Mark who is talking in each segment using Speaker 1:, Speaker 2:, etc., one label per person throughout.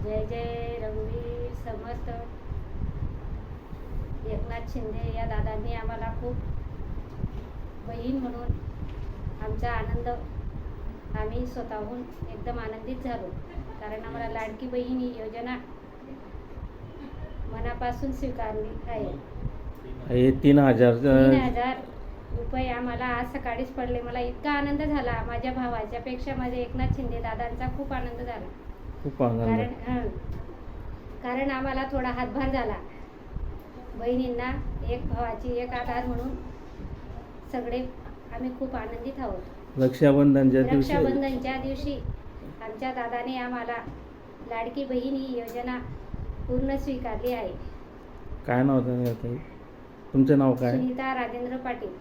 Speaker 1: जय जय रघुवीर समर्थ. एकनाथ शिंदे या दादांनी आम्हाला खूप बहीण म्हणून आमचा आनंद आम्ही स्वतःहून एकदम आनंदित झालो. कारण आम्हाला लाडकी बहीण ही योजना मनापासून स्वीकारली आहे.
Speaker 2: हे 3,000
Speaker 1: 3,000 रुपये आम्हाला आज सकाळीच पडले. मला इतका आनंद झाला. माझ्या भावाच्या पेक्षा माझ्या एकनाथ शिंदे दादांचा खूप आनंद झाला.
Speaker 2: खूप आनंद.
Speaker 1: कारण आम्हाला थोडा हातभार झाला. बहिणींना एक भावाची एक आधार म्हणून सगळे आम्ही खूप आनंदित आहोत. रक्षाबंधनच्या दिवशी आमच्या दादाने आम्हाला लाडकी बहीण ही योजना पूर्ण स्वीकारली आहे.
Speaker 2: काय नाव होतं तुमचं? नाव काय?
Speaker 1: सुनीता राजेंद्र पाटील.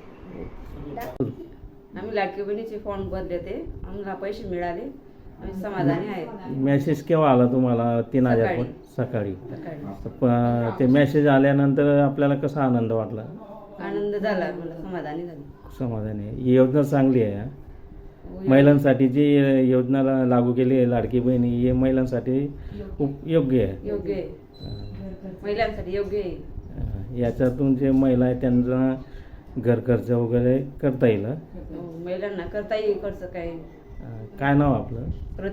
Speaker 3: आम्ही लाडकी बहिणीचे फॉर्म भरले ते आम्हाला पैसे मिळाले. आम्ही समाधानी आहे.
Speaker 2: मेसेज केव्हा आला तुम्हाला? 3,000 सकाळी. ते मेसेज आल्यानंतर आपल्याला कसा आनंद वाटला?
Speaker 3: आनंद झाला, मला समाधानी झाली.
Speaker 2: समाधानी आहे. ही योजना चांगली आहे. महिलांसाठी जी योजना लागू केली आहे लाडकी बहिणी, ही महिलांसाठी खूप योग्य आहे.
Speaker 3: योग्य आहे, महिलांसाठी योग्य आहे.
Speaker 2: याच्यातून जे महिला आहे त्यांना घर खर्च वगैरे करता येईल.
Speaker 3: महिलांना करता येईल खर्च.
Speaker 2: काय नाव आपलं?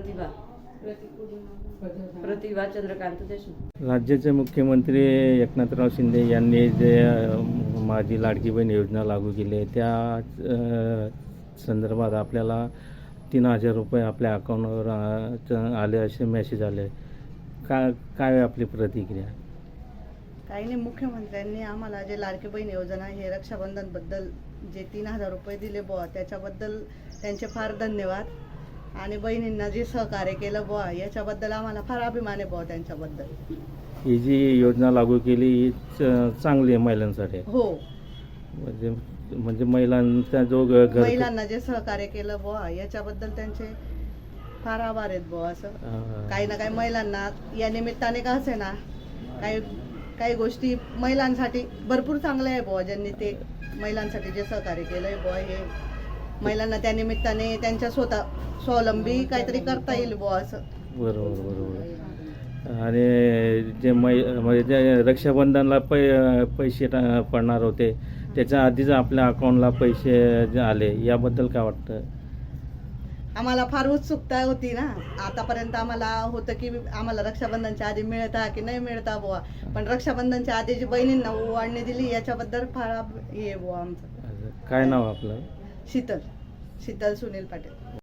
Speaker 3: प्रतिभा चंद्रकांत देशमुख.
Speaker 2: राज्याचे मुख्यमंत्री एकनाथराव शिंदे यांनी जे माझी लाडकी बहीण योजना लागू केली आहे त्या संदर्भात आपल्याला 3,000 रुपये आपल्या अकाउंटवर आले असे मेसेज आले. काय आपली प्रतिक्रिया?
Speaker 4: काही नाही, मुख्यमंत्र्यांनी आम्हाला जे लाडकी बहीण योजना हे रक्षाबंधनबद्दल जे 3,000 रुपये दिले बुवा त्याच्याबद्दल त्यांचे फार धन्यवाद. आणि बहिणींना जे सहकार्य केलं बुवा याच्याबद्दल आम्हाला फार अभिमान आहे बुवा त्यांच्याबद्दल.
Speaker 2: ही जी योजना लागू केली ही चांगली आहे महिलांसाठी.
Speaker 4: हो,
Speaker 2: म्हणजे महिलांचा जो
Speaker 4: महिलांना जे सहकार्य केलं बुवा याच्याबद्दल त्यांचे फार आभार आहेत बुवा. असं काही ना काही महिलांना या निमित्ताने का असे ना काही गोष्टी महिलांसाठी भरपूर चांगल्या आहे बुवा. ज्यांनी ते महिलांसाठी जे सहकार्य केलं आहे बुवा हे महिलांना त्या निमित्ताने त्यांच्या स्वतः स्वावलंबी काहीतरी करता येईल बुवा असं.
Speaker 2: बरोबर. आणि जे म्हणजे जे रक्षाबंधनला पैसे पडणार होते त्याच्या आधीच आपल्या अकाउंटला पैसे जे आले याबद्दल काय वाटतं?
Speaker 4: आम्हाला फार उत्सुकता होती ना. आतापर्यंत आम्हाला होतं की आम्हाला रक्षाबंधनच्या आधी मिळता की नाही मिळता बुवा, पण रक्षाबंधनच्या आधी जी बहिणींना ओवाळणी दिली याच्याबद्दल फार हे बुवा आमचं.
Speaker 2: काय नाव आपलं?
Speaker 4: शीतल सुनील पाटील.